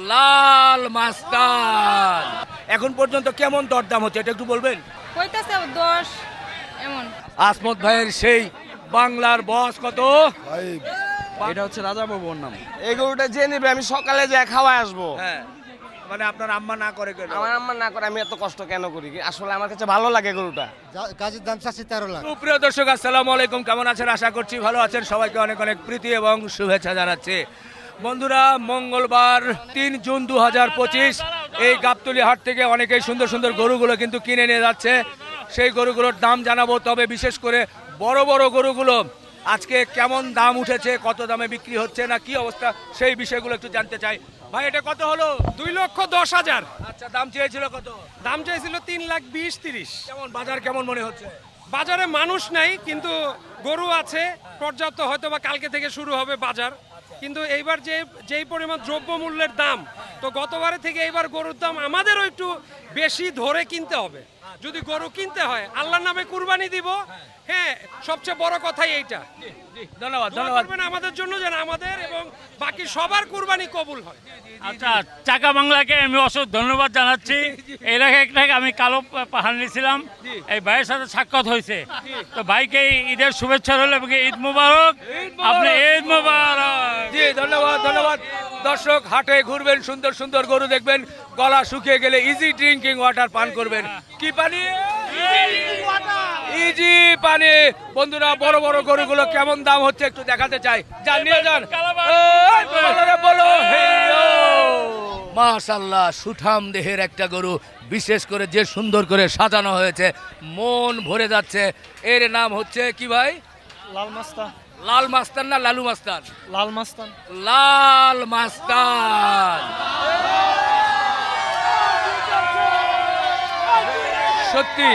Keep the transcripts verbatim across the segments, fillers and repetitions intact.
লাল মাস্তান। এখন পর্যন্ত কেমন দরদাম হচ্ছে এটা একটু বলবেন? কইতাছে দশ এমন। আসমত ভাইয়ের সেই বাংলার বস কত? এটা হচ্ছে রাজা বাবুর নাম। এই গরুটা যে নিবে আমি সকালে যা খাওয়ায় আসবো। হ্যাঁ, মানে আপনার আম্মা না করে কেন? আমার আম্মা না করে আমি এত কষ্ট কেন করি? আসলে আমার কাছে ভালো লাগে গরুটা। গাছের দাম চাচ্ছি তেরো লাখ। সুপ্রিয় দর্শক আসসালামু আলাইকুম, কেমন আছেন? আশা করছি ভালো আছেন। সবাইকে অনেক অনেক প্রীতি এবং শুভেচ্ছা জানাচ্ছি। বন্ধুরা, মঙ্গলবার তিন জুন দু হাজার পঁচিশ এই গাবতলী হাট থেকে অনেকেই সুন্দর সুন্দর গরুগুলো কিন্তু কিনে নিয়ে যাচ্ছে। সেই গরুগুলোর দাম জানাবো, তবে বিশেষ করে বড় বড় গরুগুলো আজকে কেমন দাম উঠেছে, কত দামে বিক্রি হচ্ছে না কি অবস্থা, সেই বিষয়গুলো একটু জানতে চাই। ভাই, এটা কত হলো? দুই লক্ষ দশ হাজার। আচ্ছা, দাম চেয়েছিল কত? দাম চাইছিল তিন লাখ বিশ তিরিশ। কেমন বাজার কেমন মনে হচ্ছে? বাজারে মানুষ নাই, কিন্তু গরু আছে পর্যাপ্ত। হয়তো বা কালকে থেকে শুরু হবে বাজার। কিন্তু এইবার যে যেই পরিমাণ দ্রব্যমূল্যের দাম, তো গতবারে থেকে এইবার গরুর দাম আমাদেরও একটু বেশি ধরে কিনতে হবে। যদি গরু কিনতে হয়, আল্লাহর নামে কুরবানি দিব। হ্যাঁ, সবচেয়ে বড় কথাই এইটা। ধন্যবাদ দোয়া ধন্যবাদ। করবেন আমাদের জন্য, যেন আমাদের এবং বাকি সবার কুরবানি কবুল হয়। আচ্ছা, চাকা বাংলাকে আমি অসংখ্য ধন্যবাদ জানাচ্ছি। এর আগে একটা আমি কালো পাহাড় নিয়েছিলাম, এই ভাইয়ের সাথে সাক্ষাৎ হয়েছে। তো ভাইকে ঈদের শুভেচ্ছা রইল এবং ঈদ মুবারক। আপনি ঈদ মুবারক। জি, ধন্যবাদ ধন্যবাদ। দর্শক, হাটে ঘুরবেন, সুন্দর সুন্দর গরু দেখবেন, গলা শুকিয়ে গেলে ইজি ড্রিঙ্কিং ওয়াটার পান করবেন। কি পানি? ইজি পানি। বন্ধুরা, বড় বড় গরুগুলো কেমন দাম হচ্ছে একটু দেখাতে চাই। যান, নিয়ে যান। এই, বলো, বলো। মাশাআল্লাহ, সুঠাম দেহের একটা গরু, বিশেষ করে যে সুন্দর করে সাজানো হয়েছে, মন ভরে যাচ্ছে। এর নাম হচ্ছে কি ভাই? লাল মাস্তান। লাল মাস্তান না লালু মাস্তান? লাল মাস্তান। লাল মাস্তান। সত্যি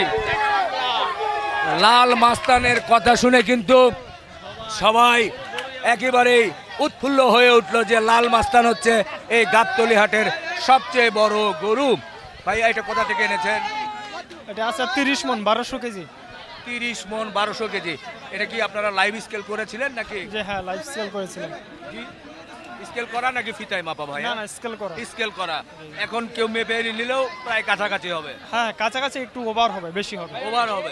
লাল মাস্তানের কথা শুনে কিন্তু সবাই একেবারেই উৎফুল্ল হয়ে উঠলো যে লাল মাস্তান হচ্ছে এই গাবতলী হাটের সবচেয়ে বড় গরু। ভাই, এটা কোথা থেকে এনেছেন? এটা আছে তিরিশ মন, বারোশো কেজি। তিরিশ মন, বারোশো কেজি। এটা কি আপনারা লাইভ স্কেল করেছিলেন নাকি? যে হ্যাঁ, লাইফ স্কেল করেছিলাম। জি, স্কেল করা নাকি ফিতায় মাপা ভাই? না না, স্কেল করা। স্কেল করা। এখন কেউ মেপে নিলেও প্রায় কাছাকাছি হবে। হ্যাঁ, কাছাকাছি একটু ওভার হবে, বেশি হবে। ওভার হবে।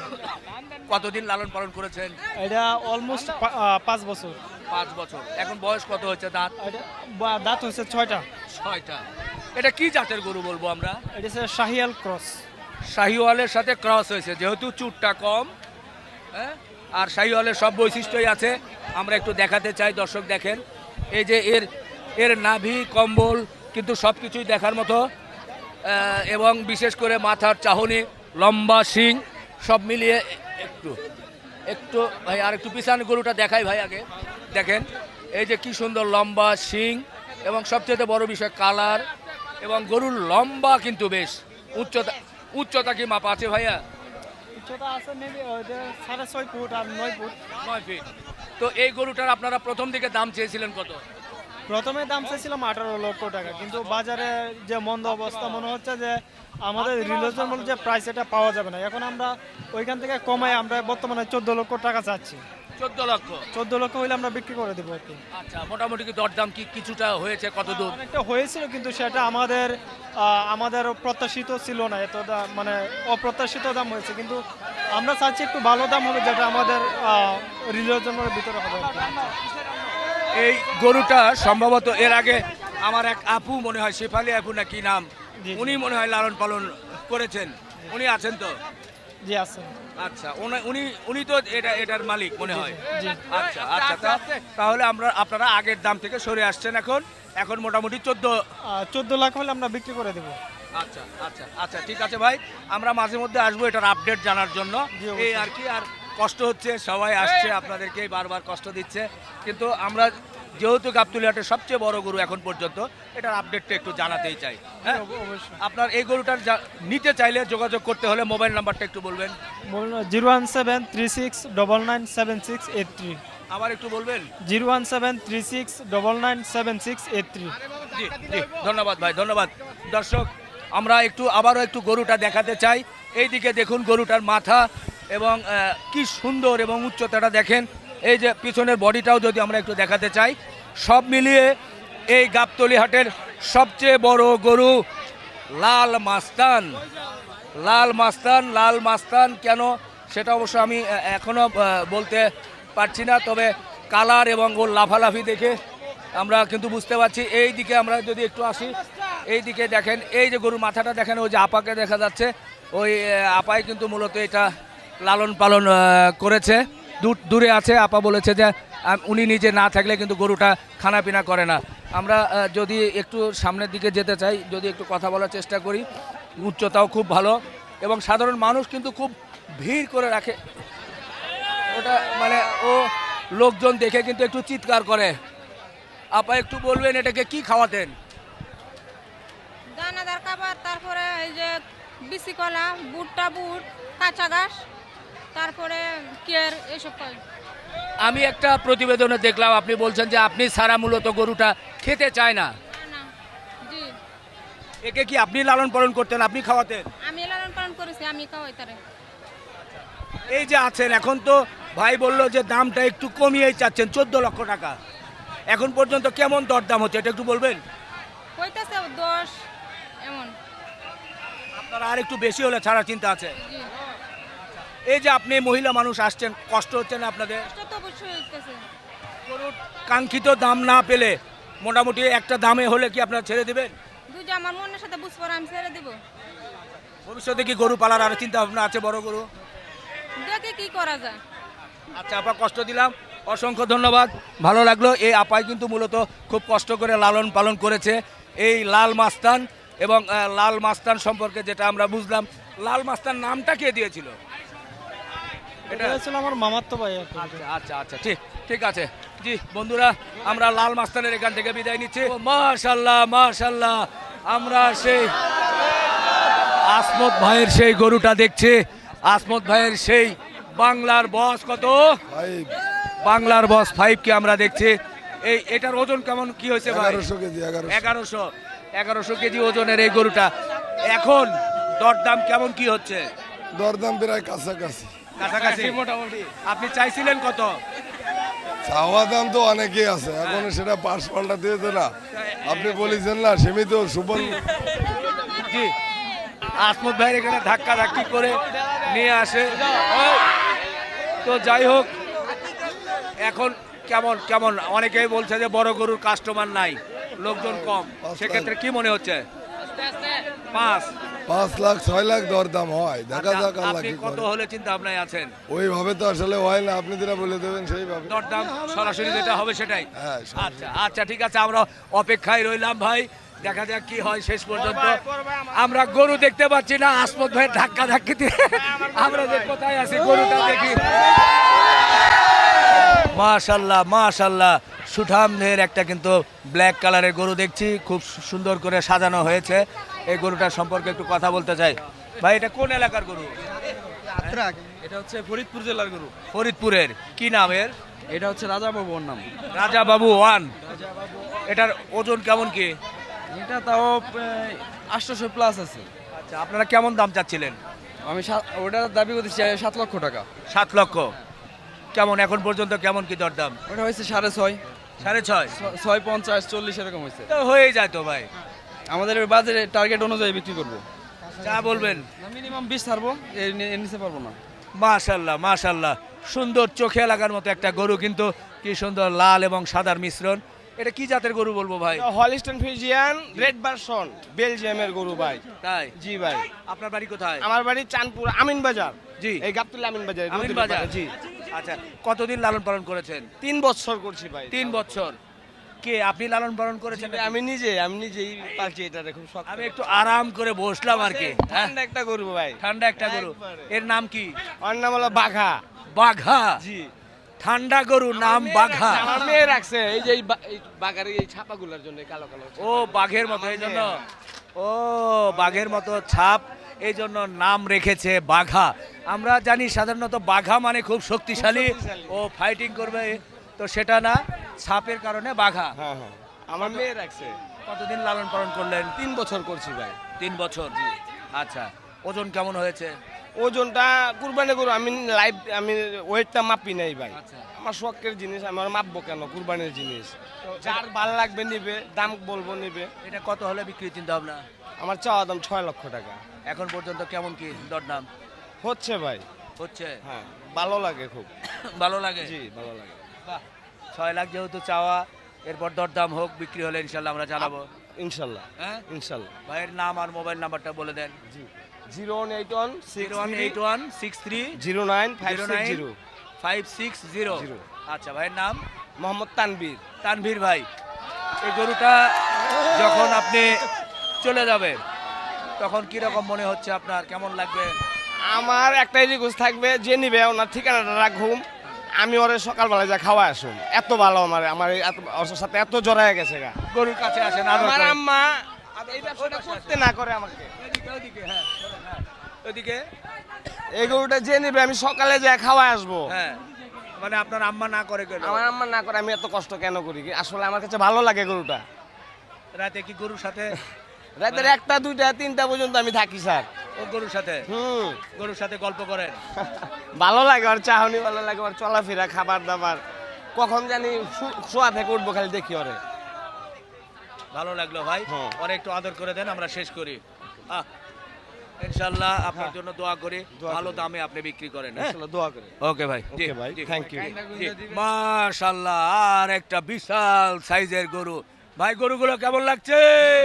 কতদিন লালন পালন করেছেন? এটা অলমোস্ট পাঁচ বছর। পাঁচ বছর। এখন বয়স কত হচ্ছে? দাঁত? এটা বা- দাঁত হচ্ছে ছয়টা। ছয়টা। এটা কি জাতের গরু বলবো আমরা? এটা হচ্ছে শাহিয়াল ক্রস। শাহিওয়ালের সাথে ক্রস হয়েছে, যেহেতু চুটটা কম, হ্যাঁ, আর শাহিওয়ালের সব বৈশিষ্ট্যই আছে। আমরা একটু দেখাতে চাই, দর্শক দেখেন। এই যে এর এর নাভি, কম্বল কিন্তু সব কিছুই দেখার মতো, আহ, এবং বিশেষ করে মাথার চাহনি, লম্বা শিং, সব মিলিয়ে একটু একটু ভাই আর একটু পিছানো গরুটা দেখাই ভাই আগে। দেখেন এই যে কি সুন্দর লম্বা শিং, এবং সবচেয়ে বড় বিষয় কালার, এবং গরুর লম্বা কিন্তু বেশ। উচ্চতা উচ্চতা কি মাপা আছে ভাইয়া? উচ্চতা আছে মেবি সাড়ে ছয় ফুট আর নয় ফুট। নয় ফিট। তো এই গরুটার আপনারা প্রথম দিকে দাম চেয়েছিলেন কত? প্রথমে দাম চাইছিলাম আঠারো লক্ষ টাকা, কিন্তু বাজারে যে মন্দ অবস্থা, মনে হচ্ছে যে আমাদের রিলেশন যে প্রাইস এটা পাওয়া যাবে না। এখন আমরা ওইখান থেকে কমাই আমরা বর্তমানে চোদ্দ লক্ষ টাকা চাচ্ছি। চোদ্দ লক্ষ। চোদ্দ লক্ষ হইলে আমরা বিক্রি করে দেবো আর কি। আচ্ছা, মোটামুটি কি দরদাম কি কিছুটা হয়েছে? কত দূর? অনেকটা হয়েছিল, কিন্তু সেটা আমাদের আহ, আমাদের প্রত্যাশিত ছিল না। এত দাম মানে অপ্রত্যাশিত দাম হয়েছে, কিন্তু আমরা চাচ্ছি একটু ভালো দাম হবে, যেটা আমাদের রিলেশনের ভিতরে হবে আর কি। এই গরুটা সম্ভবত এর আগে আমার এক আপু, মনে হয় শেফালি আপু না কি নাম, জি, জি। উনি মনে হয় লালন পালন করেছেন। উনি আছেন তো? জি আছে। আচ্ছা, উনি- উনি উনি তো এটা এটার মালিক মনে হয়। জি। আচ্ছা আচ্ছা, তা- তাহলে আমরা আপনারা আগের দাম থেকে সরে আসছেন, এখন এখন মোটামুটি চোদ্দ। চোদ্দ লাখ হলে আমরা বিক্রি করে দেবো। আচ্ছা আচ্ছা আচ্ছা, ঠিক আছে ভাই, আমরা মাঝে মধ্যে আসবো এটার আপডেট জানার জন্য। জি, অবশ্যই। এই আর কি। আর কষ্ট হচ্ছে, সবাই আসছে, আপনাদেরকেই বারবার কষ্ট দিচ্ছে, কিন্তু আমরা যেহেতু গাবতলী হাটের সবচেয়ে বড় গরু এখন পর্যন্ত, এটার আপডেটটা একটু জানাতেই চাই। হ্যাঁ, অবশ্যই। আপনার এই গরুটার যা- নিতে চাইলে যোগাযোগ করতে হলে মোবাইল নাম্বারটা একটু বলবেন। Zero one seven three six double nine seven six eight three. আবার একটু বলবেন। Zero one seven three six double nine seven six eight three. জি জি, ধন্যবাদ ভাই, ধন্যবাদ। দর্শক, আমরা একটু আবারও একটু গরুটা দেখাতে চাই। এইদিকে দেখুন গরুটার মাথা, এবং আহ, কি সুন্দর এবং উচ্চতাটা দেখেন। এই যে পিছনের বডিটাও যদি আমরা একটু দেখাতে চাই, সব মিলিয়ে এই গাবতলী হাটের সবচেয়ে বড় গরু লাল মাস্তান। লাল মাস্তান লাল মাস্তান কেন সেটা অবশ্য আমি আহ, এখনো আহ, বলতে পারছি না, তবে কালার এবং ওর লাফালাফি দেখে আমরা কিন্তু বুঝতে পারছি। এই দিকে আমরা যদি একটু আসি, এই দিকে দেখেন, এই যে গরুর মাথাটা দেখেন, ওই যে আপাকে দেখা যাচ্ছে, ওই আহ, আপাই কিন্তু মূলত এটা লালন পালন আহ, করেছে। দূর দূরে আছে, আপা বলেছে যে আহ, উনি নিজে না থাকলে কিন্তু গরুটা খানাপিনা করে না। আমরা আহ, যদি একটু সামনের দিকে যেতে চাই, যদি একটু কথা বলার চেষ্টা করি, উচ্চতাও খুব ভালো এবং সাধারণ মানুষ কিন্তু খুব ভিড় করে রাখে ওটা, মানে ও লোকজন দেখে কিন্তু একটু চিৎকার করে। আপা একটু বলবেন এটাকে কি খাওয়াতেন? দানাদার খাবার, তারপরে এই যে বিসি কলা, বুটটা বুট, কাঁচা ঘাস, তারপরে কেয়ার, এইসব খাই। আমি একটা প্রতিবেদনে দেখলাম আপনি বলছেন যে আপনি ছাড়া মূলত গরুটা খেতে চায় না। না, না, জি, একে কি আপনি লালন পালন করতেন, আপনি খাওয়াতেন? আমি লালন পালন করেছি, আমি খাওয়াই তারে। এই যে আছেন এখন, তো ভাই বললো যে দামটা একটু কমিয়েই চাচ্ছেন, চোদ্দ লক্ষ টাকা। এখন পর্যন্ত কেমন দরদাম হচ্ছে এটা একটু বলবেন? কইতাছে দশ, এমন। আপনারা আর একটু বেশি হলে ছাড়ার চিন্তা আছে? জি, এই যে আপনি মহিলা মানুষ আসছেন, কষ্ট হচ্ছে না আপনাদের? কষ্ট তো অবশ্যই হইতেছে। গরুর কাঙ্ক্ষিত দাম না পেলে মোটামুটি একটা দামে হলে কি আপনারা ছেড়ে দেবেন? দুই যে আমার মনের সাথে বুঝবো, আমি ছেড়ে দিব। ভবিষ্যতে কি গরু পালার আর চিন্তা ভাবনা আছে, বড় গরু? দেখে কি করা যায়। আচ্ছা আপা, কষ্ট দিলাম, অসংখ্য ধন্যবাদ, ভালো লাগলো। এই আপাই কিন্তু মূলত খুব কষ্ট করে লালন পালন করেছে এই লাল মাস্তান, এবং আহ, লাল মাস্তান সম্পর্কে যেটা আমরা বুঝলাম, লাল মাস্তান নামটা কে দিয়েছিল? এটা হয়েছিল আমার মামার তো ভাই আর কি। আচ্ছা আচ্ছা আচ্ছা, ঠিক ঠিক আছে। জি বন্ধুরা, আমরা লাল মাস্তানের এখান থেকে বিদায় নিচ্ছি। মাশাল্লাহ মাশাল্লাহ, আমরা সেই আসমত ভাইয়ের সেই গরুটা দেখছি, আসমত ভাইয়ের সেই বাংলার বস কত, বাংলার বস ফাইভ কে আমরা দেখছি। এই এটার ওজন কেমন কি হয়েছে ভাই? এগারোশো কেজি এগারোশো এগারোশো এগারোশো কেজি ওজনের এই গরুটা। এখন দরদাম কেমন কি হচ্ছে? দরদাম প্রায় কাছাকাছি কাছাকাছি মোটামুটি। আপনি চাইছিলেন কত? চাওয়া দাম তো অনেকেই আছে, এখন সেটা পাঁচ পাল্টা দিয়েছে না, আপনি বলেছেন না সীমিত সুবল। জি, আসমত ভাই এখানে ধাক্কা ধাক্কি করে নিয়ে আসে। তো যাই হোক, এখন কেমন কেমন অনেকেই বলছে যে বড় গরুর কাস্টমার নাই, লোকজন কম, সেক্ষেত্রে কি মনে হচ্ছে? পাঁচ পাঁচ লাখ ছয় লাখ দরদাম হয়, দেখা যাক আল্লাহ আপনি কি কত করে। হলে চিন্তা ভাবনায় আছেন? ওইভাবে তো আসলে হয় না, আপনি যেটা বলে দেবেন সেইভাবে। দরদাম সরাসরি যেটা হবে সেটাই? হ্যাঁ, সরাসরি। আচ্ছা আচ্ছা, ঠিক আছে, আমরা অপেক্ষায় রইলাম ভাই, দেখা যাক কি হয় শেষ পর্যন্ত। আমরা গরু দেখতে পাচ্ছি না, আসমত ভাইয়ের ধাক্কা ধাক্কি দিয়ে আমরা যে কোথায় আছি গরুটা দেখি। মাশাল্লাহ মাশাল্লাহ, সুঠামদের একটা কিন্তু ব্ল্যাক কালারের গরু দেখছি, খুব সুন্দর করে সাজানো হয়েছে। এই গরুটার সম্পর্কে একটু কথা বলতে চাই। ভাই এটা কোন এলাকার গরু? এটা হচ্ছে ফরিদপুর জেলার গরু। ফরিদপুরের কি নামের? এটা হচ্ছে রাজা বাবু ওর নাম। রাজা বাবু ওয়ান। এটার ওজন কেমন কি? এটা তাও আটশোশো প্লাস আছে। আচ্ছা, আপনারা কেমন দাম চাচ্ছিলেন? আমি সাত- ওটার দাবি করতেছি সাত লক্ষ টাকা। সাত লক্ষ। কেমন এখন পর্যন্ত কেমন কি দরদাম? ওটা হয়েছে সাড়ে ছয়, সাড়ে ছয় ছ- ছয় পঞ্চাশ চল্লিশ এরকম হয়েছে। তো হয়েই যায় তো ভাই, আমাদের বাজারে টার্গেট অনুযায়ী বিক্রি করবো। যা বলবেন। মিনিমাম বিশ ছাড়বো, এর নি- এর নিচে পারবো না। মাশাল্লাহ মাশাল্লাহ, সুন্দর চোখে লাগার মতো একটা গরু, কিন্তু কি সুন্দর লাল এবং সাদার মিশ্রণ। এটা কি জাতের গরু বলবো ভাই? হলিস্টন ফ্রিজিয়ান রেড ভার্সন, বেলজিয়ামের গরু ভাই। তাই? জি ভাই, আপনার বাড়ি কোথায়? আমার বাড়ি চাঁদপুর আমিন বাজার। জি। এই গাবতুল্লাহ আমিন বাজার। আমিন বাজার। জি। আচ্ছা, কতদিন লালন পালন করেছেন? তিন বছর করছি ভাই। তিন বছর। কে আপনি লালন পালন করেছেন? জি ভাই, আমি নিজে আমি নিজেই পালছি এটা, খুব শখ। আমি একটু আরাম করে বসলাম আর কি। হ্যাঁ, ঠান্ডা একটা গরু ভাই। ঠান্ডা একটা গরু। একবারে। এর নাম কি? ওর নাম হলো বাঘা। বাঘা। জি। ঠান্ডা গরু নাম বাঘা। আমার মেয়ে রাখছে এই যে এই বা- এই বাঘার এই ছাপাগুলোর জন্য, এই কালো কালো। ও বাঘের মতো, এই জন্য। ও বাঘের মতো ছাপ, এই জন্য নাম রেখেছে বাঘা। আমরা জানি সাধারণত বাঘা মানে খুব শক্তিশালী, শক্তিশালী। ও ফাইটিং করবে, তো সেটা না, ছাপের কারণে বাঘা। হ্যাঁ হ্যাঁ, আমার মেয়ে রাখছে। কতদিন লালন পালন করলেন? তিন বছর করছি ভাই। তিন বছর। আচ্ছা, ওজন কেমন হয়েছে? ওজনটা কুরবানি গরু আমি লাইভ আমি ওয়েটটা মাপি নাই ভাই আচ্ছা। আমার শখের জিনিস আমার মাপবো কেন কুরবানির জিনিস যার ভালো লাগবে নিবে দাম বলবো নিবে এটা কত হলে বিক্রি চিন্তা ভাবনা? আমার চাওয়া দাম ছয় লক্ষ টাকা এখন পর্যন্ত কেমন কি দরদাম হচ্ছে ভাই হচ্ছে? হ্যাঁ ভালো লাগে খুব ভালো লাগে? জি ভালো লাগে বাহ, ছয় লাখ যেহেতু চাওয়া, এরপর দরদাম হোক, বিক্রি হলে ইনশাল্লাহ আমরা জানাবো। ইনশাল্লাহ হ্যাঁ, ইনশাল্লাহ ভাইয়ের নাম আর মোবাইল নাম্বারটা বলে দেন। জি zero one eight one zero one eight one six three zero nine five zero six nine zero five six zero. Zero. আচ্ছা, ভাইয়ের নাম? মোহাম্মদ তানবীর। তানভীর ভাই, এই গরুটা যখন আপনি চলে যাবেন তখন কি রকম মনে হচ্ছে আপনার, কেমন লাগবে? আমার একটাই রিকোয়েস্ট থাকবে, যে নিবে ওনার ঠিকানাটা রাখুম, আমি ওরে সকালবেলা যা খাওয়া আসুন। এত ভালো আমার আমার এই এত- ওর সাথে এত জড়ায় গেছে গা। গরুর কাছে আসেন, আদর আমার করেন। আম্মা এই ব্যবসাটা করতে না করে আমাকে। ওইদিকে, ওইদিকে, হ্যাঁ, হ্যাঁ, ওইদিকে, এই গরুটা যে নিবে আমি সকালে যা খাওয়া আসবো। হ্যাঁ, মানে আপনার আম্মা না করে কেন? আমার আম্মা না করে আমি এত কষ্ট কেন করি? আসলে আমার কাছে ভালো লাগে গরুটা। রাতে কি গরুর সাথে? রাতের একটা দুইটা তিনটা পর্যন্ত আমি থাকি স্যার। ও গরুর সাথে, হুম গরুর সাথে গল্প করেন? ভালো লাগে, আর চাহনি ভালো লাগে, আর চলাফেরা, খাবার দাবার, কখন জানি শু- শোয়া থেকে উঠবো খালি দেখি ওরে। ভালো লাগলো ভাই, হ্যাঁ। পরে একটু আদর করে দেন, আমরা শেষ করি। আহ, ইনশাল্লাহ আপনার জন্য দোয়া করি, দোয়া ভালো করি। দামে আপনি বিক্রি করেন। হ্যাঁ, আসলে দোয়া করে। ওকে ভাই, জি, ওকে ভাই, জি। Thank you. জি, মাশাআল্লাহ, আর একটা বিশাল সাইজের গরু। ভাই, গরুগুলো কেমন লাগছে?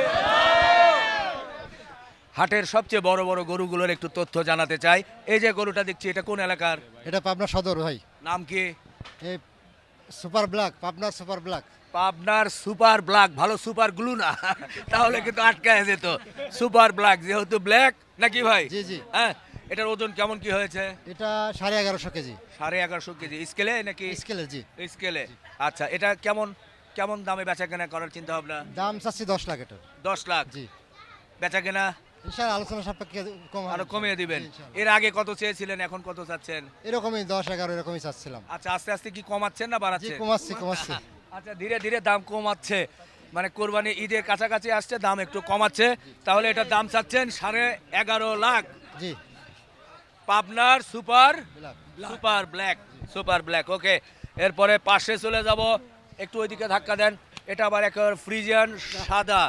হাটের সবচেয়ে বড় বড় গরুগুলোর একটু তথ্য জানাতে চাই। এই যে গরুটা দেখছি, এটা কোন এলাকার? এটা পাবনা সদর ভাই। নাম কি? এই super black, Pabna super black. পাবনার সুপার ব্ল্যাক। ভালো সুপার গ্লু না, তাহলে কিন্তু আটকায় যেত। সুপার ব্ল্যাক যেহেতু ব্ল্যাক, নাকি ভাই? জি, জি। হ্যাঁ, এটার ওজন কেমন কি হয়েছে? এটা সাড়ে এগারোশো কেজি সাড়ে এগারোশো কেজি স্কেলে নাকি? স্কেলের, জি। স্কেলে। আচ্ছা, এটা কেমন কেমন দামে বেচা কেনা করার চিন্তা ভাবনা? দাম চাচ্ছি দশ লাখ এটার। দশ লাখ জি। বেচা কেনা ইনশাআল্লাহ আলোচনা সাপেক্ষে কম হবে। আরো কমিয়ে দিবেন। জি, ইনশাআল্লাহ। এর আগে কত চেয়েছিলেন, এখন কত চাচ্ছেন? এরকমই দশ এগারো এরকমই চাচ্ছিলাম। আচ্ছা, আস্তে আস্তে কি কমাচ্ছেন না জি, বাড়াচ্ছেন? কমাচ্ছি কমাচ্ছি। আচ্ছা, ধীরে ধীরে দাম কমাচ্ছে, মানে কোরবানি ঈদের কাছাকাছি আসছে, দাম একটু কমাচ্ছে। তাহলে এটার দাম চাচ্ছেন সাড়ে এগারো লাখ। জি। পাবনার super black. Super black, super black. Okay, এরপরে পাশে চলে যাব, একটু ওইদিকে ধাক্কা দেন। এটা আবার একেবারে ফ্রিজিয়ান সাদা।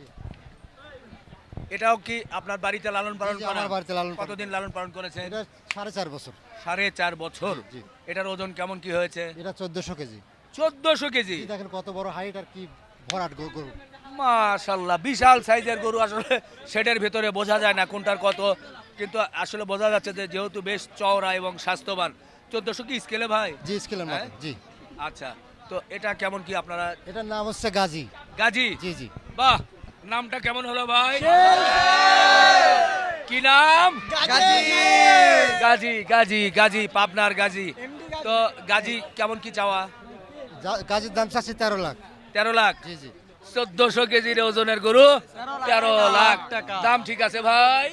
এটাও কি আপনার বাড়িতে লালন পালন জি, জি, করা? আমার বাড়িতে লালন পালন। কতদিন লালন পালন করেছেন? এটা সাড়ে চার বছর। সাড়ে চার বছর। জি। এটার ওজন কেমন কি হয়েছে? এটা চোদ্দশো কেজি। চোদ্দশো কেজি। এই দেখেন কত বড় হাইট আর কি ভরাট গরু- গরু। মাশাল্লাহ, বিশাল সাইজের গরু। আসলে শেডের ভেতরে বোঝা যায় না কোনটার কত, কিন্তু আসলে বোঝা যাচ্ছে যে যেহেতু বেশ চওড়া এবং স্বাস্থ্যবান। চোদ্দশো কি স্কেলে ভাই? জি, স্কেলের হ্যাঁ? মতো। জি। আচ্ছা, তো এটা কেমন কি আপনারা? এটার নাম হচ্ছে গাজী। গাজী। জি, জি। বাহ, নামটা কেমন হলো ভাই? কি নাম? গাজী। গাজী, গাজী, গাজী, পাবনার গাজী। তো গাজী কেমন কি চাওয়া? যা- গাজীর দাম চাচ্ছি তেরো লাখ। তেরো লাখ। জি, জি। চোদ্দশো কেজির ওজনের গরু, তেরো লাখ দাম। ঠিক আছে ভাই?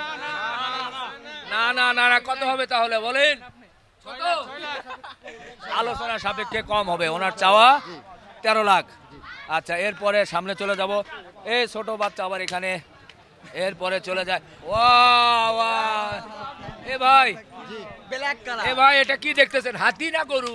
না না না না, কত হবে তাহলে বলেন? কত? আলোচনা সাপেক্ষে কম হবে, ওনার চাওয়া তেরো লাখ। আচ্ছা, এরপরে সামনে চলে যাব। এই ছোট বাচ্চা আবার এখানে, এরপরে চলে যায়। Wow, wow. এ ভাই, এ ভাই, এটা কি দেখতেছেন, হাতি না গরু?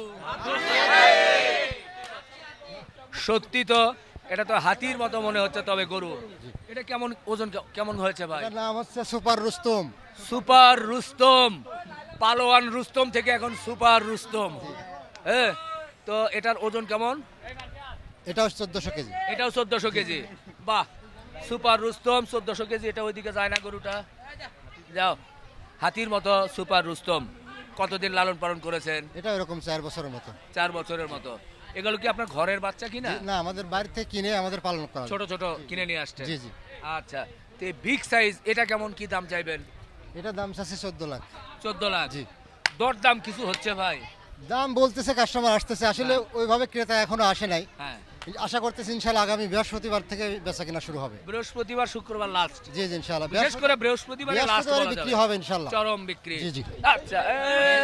সত্যি তো, এটা তো হাতির মতো মনে হচ্ছে, তবে গরু। এটা কেমন ওজন কে- কেমন হয়েছে ভাই? এটার নাম হচ্ছে সুপার রুস্তম। সুপার রুস্তম। পালোয়ান রুস্তম থেকে এখন সুপার রুস্তম। হ্যাঁ, তো এটার ওজন কেমন? এটাও চোদ্দশো কেজি। এটাও চোদ্দশো কেজি। বাহ, সুপার রুস্তম চোদ্দশো কেজি। এটা ওইদিকে যায় না গরুটা? যাও, হাতির মতো সুপার রুস্তম। কতদিন লালন পালন করেছেন? এটা এরকম চার বছরের মতো। চার বছরের মতো। এগুলো কি আপনার ঘরের বাচ্চা কিনা? জি, না, আমাদের বাড়ি থেকে কিনে আমাদের পালন করা। ছোট ছোট কিনে নিয়ে আসছে? জি, জি। আচ্ছা, তো বিগ সাইজ এটা কেমন কি দাম চাইবেন? এটা দাম চাচ্ছি চোদ্দ লাখ। চোদ্দ লাখ। জি। দর দাম কিছু হচ্ছে ভাই? দাম বলতেছে, কাস্টমার আসতেছে, আসলে ওইভাবে ক্রেতা এখনো আসে নাই। হ্যাঁ, আশা করতেছি ইনশাআল্লাহ আগামী বৃহস্পতিবার থেকে বেচা কিনা শুরু হবে। বৃহস্পতিবার শুক্রবার লাস্ট। জি, জি, ইনশাআল্লাহ। বিশেষ করে বৃহস্পতিবারে লাস্ট বৃহস্পতিবারে বলা বিক্রি যাবে। হবে ইনশাআল্লাহ। চরম বিক্রি। জি, জি। আচ্ছা, এ,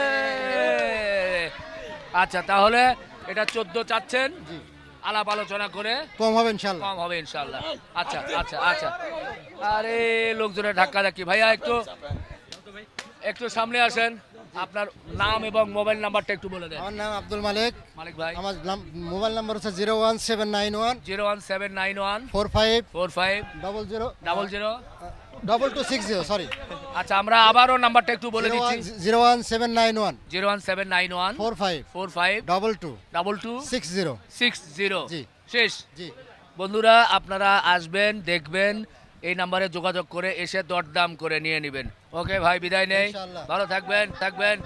আচ্ছা, তাহলে এটা চোদ্দ চাচ্ছেন, জি। আলাপ আলোচনা করে কম হবে ইনশাআল্লাহ। কম হবে ইনশাল্লাহ। আচ্ছা আচ্ছা আচ্ছা, আরে লোকজনের ধাক্কা ধাক্কি। ভাইয়া একটু একটু সামনে আসেন, আপনার নাম এবং মোবাইল নাম্বারটা একটু বলে দেন। আমার নাম আব্দুল মালিক। মালিক ভাই, আমার নাম- মোবাইল নাম্বার হচ্ছে zero one seven nine one zero one seven nine one four five four five double zero double zero. Double two six zero sorry আচ্ছা, আমরা আবারও নাম্বারটা একটু বলে দিচ্ছি। Zero one seven nine one zero one seven nine one four five four five double two double two six zero six zero. জি। শেষ। জি। বন্ধুরা, আপনারা আসবেন, দেখবেন, এই নাম্বারে যোগাযোগ করে এসে দরদাম করে নিয়ে নেবেন। ওকে ভাই, বিদায় নেই, ইনশাআল্লাহ। ভালো থাকবেন থাকবেন